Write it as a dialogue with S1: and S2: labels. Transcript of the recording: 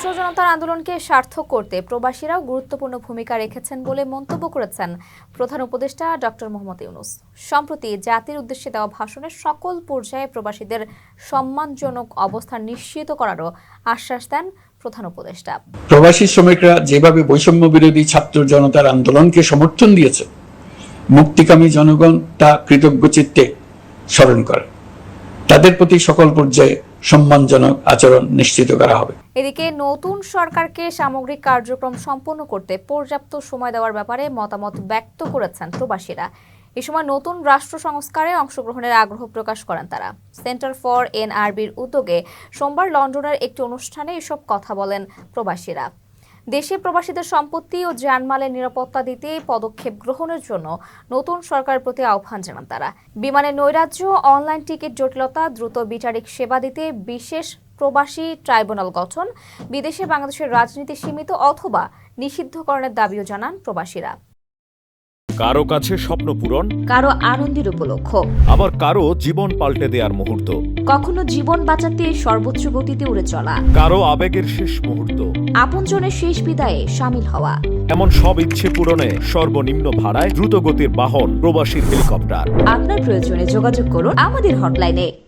S1: ছাত্র জনতার আন্দোলনকে সার্থক করতে প্রবাসীরাও গুরুত্বপূর্ণ ভূমিকা রেখেছেন বলে মন্তব্য করেছেন প্রধান উপদেষ্টা ডক্টর মোহাম্মদ ইউনূস। সম্প্রতি জাতির উদ্দেশ্যে দেওয়া ভাষণে সকল পর্যায়ে প্রবাসীদের সম্মানজনক অবস্থান নিশ্চিত করারও আশ্বাস দেন প্রধান উপদেষ্টা।
S2: প্রবাসী শ্রমিকরা যেভাবে বৈষম্য বিরোধী ছাত্র জনতার আন্দোলনকে সমর্থন দিয়েছে, মুক্তিকামী জনগণ তা কৃতজ্ঞ চিত্তে স্মরণ করে। তাদের প্রতি সকল পর্যায়ে সম্মানজনক আচরণ নিশ্চিত করা হবে।
S1: এদিকে নতুন সরকারকে সামগ্রিক কার্যক্রম সম্পন্ন করতে পর্যাপ্ত সময় দেওয়ার ব্যাপারে মতামত ব্যক্ত করেছেন প্রবাসীরা। এ সময় নতুন রাষ্ট্র সংস্কারে অংশগ্রহণের আগ্রহ প্রকাশ করেন তারা। সেন্টার ফর এনআরবির উদ্যোগে সোমবার লন্ডনের একটি অনুষ্ঠানে এসব কথা বলেন প্রবাসীরা। দেশে প্রবাসীদের সম্পত্তি ও জানমালের নিরাপত্তা দিতে পদক্ষেপ গ্রহণের জন্য নতুন সরকারের প্রতি আহ্বান জানান তারা। বিমানের নৈরাজ্য, অনলাইন টিকিট জটিলতা, দ্রুত বিচারিক সেবা দিতে বিশেষ প্রবাসী ট্রাইব্যুনাল গঠন, বিদেশে বাংলাদেশের রাজনীতি সীমিত অথবা নিষিদ্ধকরণের দাবিও জানান প্রবাসীরা।
S3: কারো কাছে স্বপ্ন পূরণ,
S1: কারো আনন্দের উপলক্ষ,
S3: আবার কারো জীবন পাল্টে দেওয়ার মুহূর্ত,
S1: কখনো জীবন বাঁচাতে সর্বোচ্চ গতিতে উড়ে চলা,
S3: কারো আবেগের শেষ মুহূর্ত,
S1: আপনজনের শেষ বিদায়ে শামিল হওয়া।
S3: এমন সব ইচ্ছে পূরণে সর্বনিম্ন ভাড়ায় দ্রুতগতির বাহন প্রবাসীর হেলিকপ্টার।
S1: আপনার প্রয়োজনে যোগাযোগ করুন আমাদের হটলাইনে।